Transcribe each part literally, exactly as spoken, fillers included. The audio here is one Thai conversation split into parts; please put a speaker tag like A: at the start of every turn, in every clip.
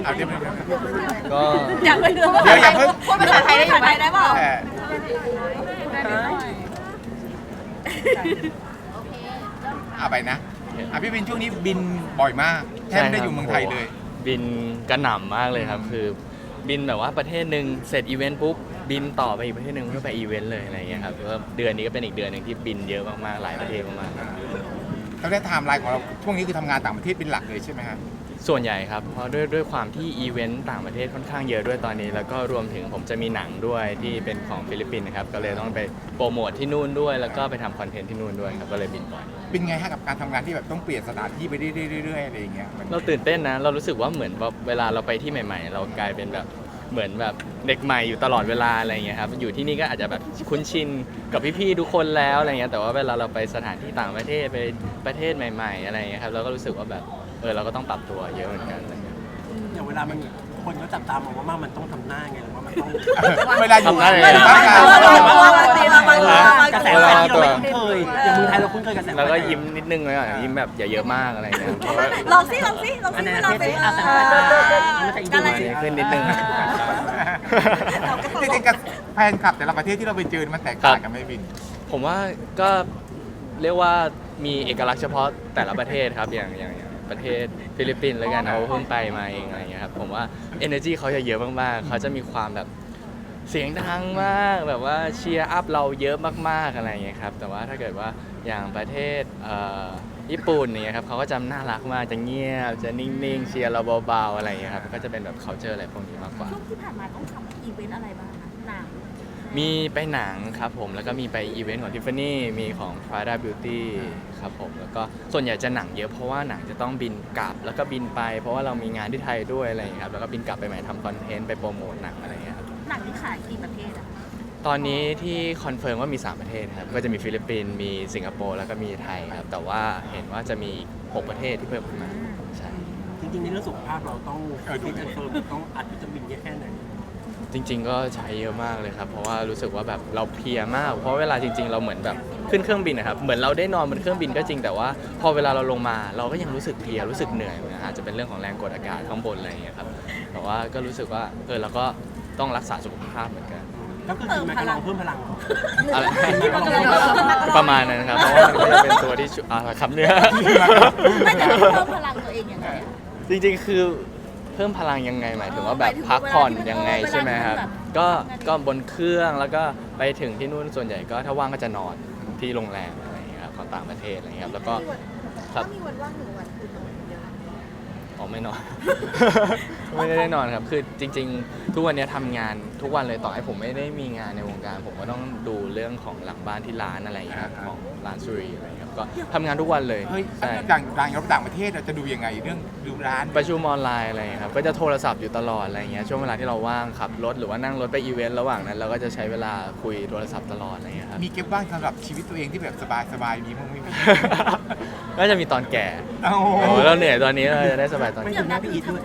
A: เอาเดี๋ยว
B: ก็
C: อยากไปดู
A: เดี๋ยวอย่าเพิ่ง
C: พูดภาษาไทยได้ไหมได้เปล่า
A: เออเอาไปนะอ่ะพี่บินช่วงนี้บินบ่อยมากแทบไม่ได้อยู่เมืองไทยเลย
B: บินกระหน่ำมากเลยครับ คือบินแบบว่าประเทศหนึ่งเสร็จอีเวนต์ปุ๊บบินต่อไปอีกประเทศหนึ่งเพื่อไปอีเวนต์เลยอะไรอย่างเงี้ยครับก็เดือนนี้ก็เป็นอีกเดือนหนึ่งที่บินเยอะมากๆหลายประเทศมากๆครับ
A: แล้วได้ไทม์ไลน์ของเราช่วงนี้คือทำงานต่างประเทศเป็นหลักเลยใช่ไหมครับ
B: ส่วนใหญ่ครับเพราะด้วยด้วยความที่อีเวนต์ต่างประเทศค่อนข้างเยอะด้วยตอนนี้แล้วก็รวมถึงผมจะมีหนังด้วยที่เป็นของฟิลิปปินส์นะครับก็เลยต้องไปโปรโมทที่นู่นด้วยแล้วก็ไปทำคอนเทนต์ที่นู่นด้วยครับก็เลยบินบ่อย
A: เป็นไงฮะกับการทำงานที่แบบต้องเปลี่ยนสถานที่ไปเรื่อยๆๆๆอะไรอย่างเงี้ยมัน
B: เราตื่นเต้นนะเรารู้สึกว่าเหมือนแบบเวลาเราไปที่ใหม่ๆ เรากลายเป็นแบบเหมือนแบบเด็กใหม่อยู่ตลอดเวลาอะไรอย่างเงี้ยครับอยู่ที่นี่ก็อาจจะแบบคุ้นชินกับพี่ๆทุกคนแล้วอะไรเงี้ยแต่ว่าเวลาเราไปสถานที่ต่างประเทศไปประเทศใหม่ๆอะไรอย่างเงี้ยครับเราก็รู้สึกว่าแบบเออเราก็ต้องปรับตัวเยอะเหมือนกันอะไรเงี้ย
D: อย่างเวลามันคนเขาจับตามองว่ามันต้องทำหน้าไงหรือว่ามันต้อง
A: เวลาอยู่
B: ทำได้เลย
A: บ้านเรา
D: กระแสไฟที่เราไม่คุ้นเคยอย่างเมืองไทยเราคุ้นเคยกระแสไฟ
B: แล้วก็ยิ้มนิดนึงเลยอ่ะยิ้มแบบอย่าเยอะมากอะไรเงี้ยเพราะว่า
C: ลองสิลองสิลอง
D: อั
C: สิ
D: นไหน
C: เวลา
D: เท
C: ไป
D: ส
C: เอ
D: อา
C: อ
D: สามันจะอีก
C: อะไร
D: ดู
B: ขึ้นนิดนึง
A: จริงๆกับแฟนคลับแต่ละประเทศที่เราไปเจอมันแตกต่างกันไหมบิน
B: ผมว่าก็เรียกว่ามีเอกลักษณ์เฉพาะแต่ละประเทศครับอย่างอย่างอย่างประเทศฟิลิปปินส์แล้วกันเขาเพิ่งไปมาเองอะไรเงี้ยครับผมว่า energy เขาจะเยอะมากๆเขาจะมีความแบบเสียงดังมากแบบว่าเชียร์อัพเราเยอะมากๆอะไรเงี้ยครับแต่ว่าถ้าเกิดว่าอย่างประเทศเอ่อญี่ปุ่นเนี่ยครับเขาก็จะน่ารักมากจะเงียบจะนิ่งๆเชียร์เราเบาๆอะไรเงี้ยครับก็จะเป็นแบบ culture อะไรพวกนี้มากกว่า
C: ช่วงที่ผ่านมาต้องทำอีเวนต์อะไรบ้างคะหนัง
B: มีไปหนังครับผมแล้วก็มีไปอีเวนต์ของ Tiffany มีของ Prada Beauty ครับผมแล้วก็ส่วนใหญ่จะหนังเยอะเพราะว่าหนังจะต้องบินกลับแล้วก็บินไป เพราะว่าเรามีงานที่ไทยด้วยอะไรอย่างเงี้ยครับแล้วก็บินกลับไปใหม่ทำคอนเทนต์ไปโปรโมทหนังอะไรอย่างเงี้ยครับ
C: หนังที่ขายกี่ประเทศอะ
B: ตอนนี้ที่คอนเฟิร์มว่ามีสามประเทศครับก็จะมีฟิลิปปินส์มีสิงคโปร์แล้วก็มีไทยครับแต่ว่าเห็นว่าจะมีอีกหกประเทศที่เพิ่มขึ้นมาใช่
D: จริงๆในเรื่องสุขภาพเราต้องฟิตเฟิร์มต้องอัดวิตามินเยอะแค่ไหน
B: จริงๆก็ใช้เยอะมากเลยครับเพราะว่ารู้สึกว่าแบบเราเพลียมากเพราะเวลาจริง ๆ เราเหมือนแบบขึ้นเครื่องบินนะครับเหมือนเราได้นอนบนเครื่องบินก็จริงแต่ว่าพอเวลาเราลงมาเราก็ยังรู้สึกเพลียรู้สึกเหนื่อยนะอาจจะเป็นเรื่องของแรงกดอากาศข้างบนอะไรอย่างเงี้ยครับแต่ว่าก็รู้สึกว่าเออเราก็ต้องรักษาสุขภาพเหมือนกัน
D: ก็คือกินแมกกาลองเพิ่มพลัง
B: อะไรประมาณนั้นครับเพราะว่ามันก็จะเป็นตัวที่ช่วยอ่าคำเนี้ย
C: ไม่แต่เพิ่มพลังตัวเองยังไงอะ
B: จริงๆ คือเพิ่มพลังยังไงหมายถึงว่าแบบพักผ่อนยังไงใช่ไหมครับก็ก็บนเครื่องแล้วก็ไปถึงที่นู่นส่วนใหญ่ก็ถ้าว่างก็จะนอนที่โรงแรมอะไรอย่างเงี้ยครับของต่างประเทศอะไรอย่างเงี้ยครับแล้วก็ครับ
C: มีวันว่างหนึ่งวันคือนอนเยอะ
B: อ๋อไม่นอน ไม่ได้นอนครับคือจริง ๆ ทุกวันนี้ทำงานทุกวันเลยต่อให้ผมไม่ได้มีงานในวงการ ผมก็ต้องดูเรื่องของหลังบ้านที่ร้านอะไรอย่างเงี้ยครับของร้านซูรีอะไรอย่างเงี้ยครับก็ทำงานทุกวันเลย
A: เฮ้ย
B: ใช่
A: ต่างต่างต่างประเทศเราจะดูยังไงเรื่องดูร้าน
B: ประชุมออนไลน์อะไรอย่างเงี้ยครับก็จะโทรศัพท์อยู่ตลอดอะไรอย่างเงี้ยช่วงเวลาที่เราว่างขับรถหรือว่านั่งรถไปอีเวนต์ระหว่างนั้นเราก็จะใช้เวลาคุยโทรศัพท์ตลอดอะไรอย่างเงี้ยครับ
A: มีเก็บบ้างสำหรับชีวิตตัวเองที่แบบสบายๆมีมั้งไม่มี
B: ก็จะมีตอนแก่
A: โอ้โห
B: โอ้เราเหนื่อยตอนนี้เราจะได้สบายตอน
D: ไม่
B: แก่
D: ถึงหน้าพี่อีทด้วย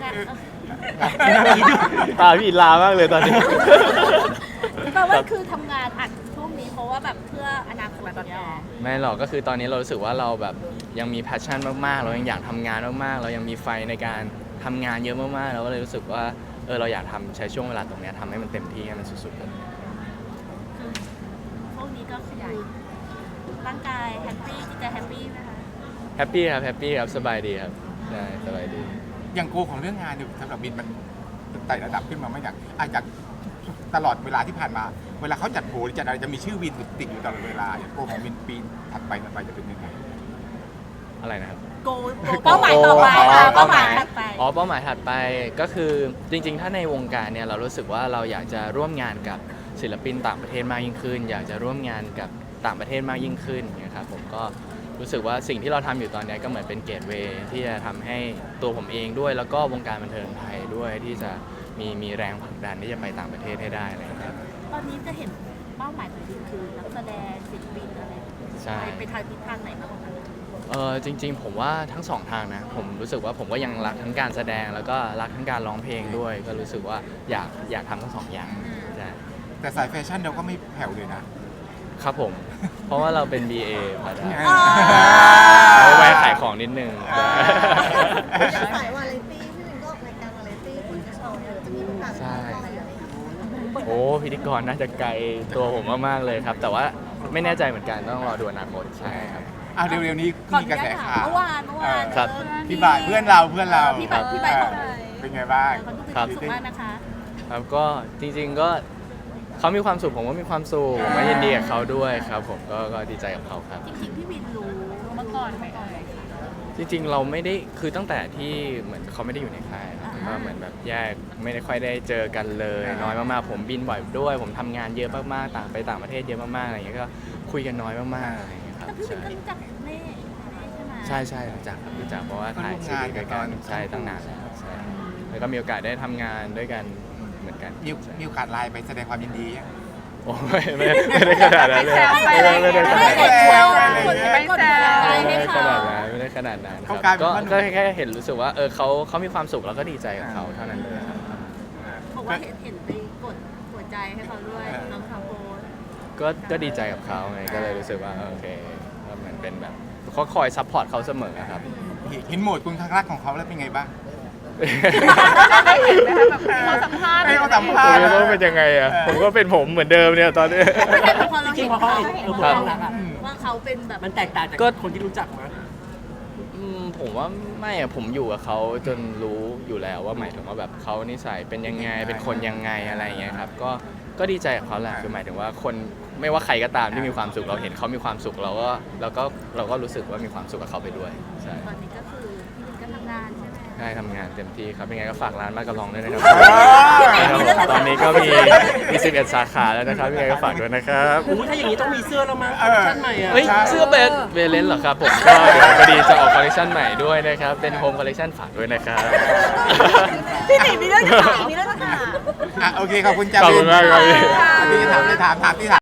B: ตาพี่ลามากเลยตอนนี้
C: แปลว่าคือทำงานอัดช่วงนี้เพราะว่าแบบเพื่ออนาคตตอนนี้
B: ไม่หรอกก็คือตอนนี้เรารู้สึกว่าเราแบบยังมีแพชชั่นมากๆ เรายังอยากทำงานมากๆ เรายังมีไฟในการทำงานเยอะมากๆเราก็เลยรู้สึกว่าเออเราอยากทำใช้ช่วงเวลาตรงเนี้ยทำให้มันเต็มที่ให้มันสุดๆเลย
C: คือพวกนี้ก็ขยายร่างกายแฮปปี้จิตใจแฮปปี้ไหมคะ
B: แฮปปี้ครับแฮปปี้ครับสบายดีครับใช่สบายดี
A: อย่างโกของเรื่องงานเนี่ยสำหรับบินมันไต่ระดับขึ้นมาไม่จากอาจจากตลอดเวลาที่ผ่านมา เวลาเขาจัดโผล่จัดอะไรจะมีชื่อวินติดอยู่ตลอดเวลาอย่างโกของบินปีถัดไปถัดไปจะเป็นยังไง
B: อะไรนะครับ
C: โกเป้าหมายต่อไปค่ะเป้าหมายถัดไป
B: อ๋อเป้าหมายถัดไปก็คือจริงๆ ถ้าในวงการเนี่ยเรารู้สึกว่าเราอยากจะร่วมงานกับศิลปินต่างประเทศมากยิ่งขึ้น อยากจะร่วมงานกับต่างประเทศมากยิ่งขึ้นนะครับผมก็รู้สึกว่าสิ่งที่เราทำอยู่ตอนนี้ก็เหมือนเป็นเกตเวย์ที่จะทำให้ตัวผมเองด้วย แล้วก็วงการบันเทิงไทยด้วยที่จะมีมีแรงผลักดันที่จะไปต่างประเทศให้ได้อะไรอย่างเงี้ย
C: ตอนนี้จะเห็นเป้าหมายของบินคือนักแสดงศิลปินอะไร
B: ใช่
C: ไปไปทางทิศทางไหนมากกว่ากัน
B: เออจริงๆผมว่าทั้งสองทางนะผมรู้สึกว่าผมก็ยังรักทั้งการแสดงแล้วก็รักทั้งการร้องเพลงด้วย ก็รู้สึกว่าอยากอยากทำทั้งสองอย่างใช่
A: แต่สายแฟชั่นเราก็ไม่แผ่วเลยนะครับ
B: ผม เพราะว่าเราเป็น บี เอ พอได้
A: อ๋อ
B: เอาไว้ขายของนิดนึง
E: สายวาไรตี้พี่วินก็ออกรายการวาไรตี้ผู้
B: โอ้พิธีกรน่าจะไกลตัวผมมากๆเลยครับ แต่ว่าไม่แน่ใจเหมือนกันต้องรอดูอนาคตใช่ครับ
A: อ่ะเร็วๆนี้
C: ขอ
A: มี
C: อก นุ
A: ระแส
C: ญาตถาม
A: ข่าว
C: เมื่อวานเมื่อวาน
B: ครับ
C: เออ
A: พี่บายเพื่อนเราเพื่อนเรา
C: พี่บายพี่บายของ
A: เออเป็นไงบ้าง
C: เขาดูมีความสุขมากนะคะ
B: ครับก็จริงๆก็เขามีความสุขผมก็มีความสุขผมก็ยินดีกับเขาด้วยครับ ผมก็ก็ดีใจกับเขาครับ
C: จริงๆพี่วินรู้มาก่อนไหมเอ่ย
B: จริงๆเราไม่ได้คือตั้งแต่ที่เหมือนเขาไม่ได้อยู่ในค่ายครับ
C: อ่า
B: ก็เหมือนแบบแยกไม่ได้ค่อยได้เจอกันเลยน้อยมากๆผมบินบ่อยด้วย ผมทำงานเยอะมากๆต่างไปต่างประเทศเยอะมากๆอะไรอย่างเงี้ยก็คุยกันน้อยมากๆอะไรอย่างเงี้ยครับ
C: แต่พี่วิ
B: ใช่
C: นก็รู้จักเน่เน่ใช่ไหม
B: ใช่ใช่รู้จักครับรู้จักเพราะว่าถ่ายซีรีส์ด้วยกันใช่ตั้งนานแล้วใช่แล้วก็มีโอกาสได้ทำงานด้วยกันเหมือนกัน
A: มีมีโอกาสไลน์ไปแสดงความยินดียัง
B: โอ้ไม่ไม่ไม่ได้ขนาดนั้นเลยไม่ได้ไม่ได้ขนาด
C: ไม่
B: นั้น
C: ได้แซว
A: ไม่ได้
C: คนไม่แซว
B: ไม่
C: ให้
B: ได้ข
C: เขา
B: นาดนั้นไม่ได้ขนาดนั้นค
A: เขา
B: รับ
A: กลายเป็น
B: ก็
A: ว่า
B: ก็แค่เห็นรู้สึกว่าเออเขาเขามีความสุขแล้วก็ดีใจกับเขาเท่านั้นเลยครับ
C: บอกว่าเห็นเห็นไปกดหัวใจให้เขาด้วยน้องคาโบน
B: ก็ก็ดีใจกับเขาไงก็เลยรู้สึกว่าเออโอเคก็เหมือนเป็นแบบเขาคอยซัพพอร์ตเขาเสมอครับ
A: เห็นโหมดคุณข้างรักของเขาแล้วเป็นไงบ้าง
C: เขาสัมภาษณ์
A: ให้เขาสัม
B: ผ
A: ภาษ
B: ม
A: ณ์
B: จะต้องเป็นยังไงอ่ะผมก็เป็นผมเหมือนเดิมเนี่ยตอนนี้
C: พอเรา
D: จริ
C: เห็
D: ง
C: น
D: ๆพอเขา
C: เขา
D: เห็น
C: เห็น
D: เออ
C: เขา
D: ความรักอะ
C: ว่าเขาเป็นแบบ
D: มันแตกต่างจาก
B: ก็
D: คนที่รู้จักมั้ย
B: อืมผมว่าไม่อะผมอยู่กับเขาจนรู้อยู่แล้วว่าหมายถึงว่าแบบเขานิสัยเป็นยังไงเป็นคนยังไงอะไรอย่างเงี้ยครับก็ก็ดีใจกับเขาแหละคือหมายถึงว่าคนไม่ว่าใครก็ตามที่มีความสุขเราเห็นเขามีความสุขเราก็เราก็เราก็รู้สึกว่ามีความสุขกับเขาไปด้วยใช่
C: ตอนนี้ก็คือพี่วินก็ทำงานใช่ไหม
B: ใช่ทำงานเต็มที่ครับยังไงก็ฝากร้านมากกระลองด้วยนะครับ
A: อ่า
B: ครับผมตอนนี้ก็มีมีสิบเอ็ดสาขาแล้วนะครับยังไงก็ฝากด้วยนะครับ
D: โอ้โหถ้าอย่างนี้ต้องมีเสื้อแล้วมั้ง
A: เอ
D: คอล
A: อ
D: เลคชั่นใหม่อ่ะ
B: เฮ้ยเสื้อเบสเบเลนเหรอครับผมก็เดี๋ยวพอดีจะออกคอลเลคชันใหม่ด้วยนะครับเป็นโฮมคอลเลคชันฝากด้วยนะครับ
C: พี่หนิมีเรื่องจะถามมีเรื่องจะถาม
A: อ่ะโอเคขอบคุณจ้า
B: ขอบคุณมากครับพี่
A: อันนี้ถามเลยถามถามที่ถาม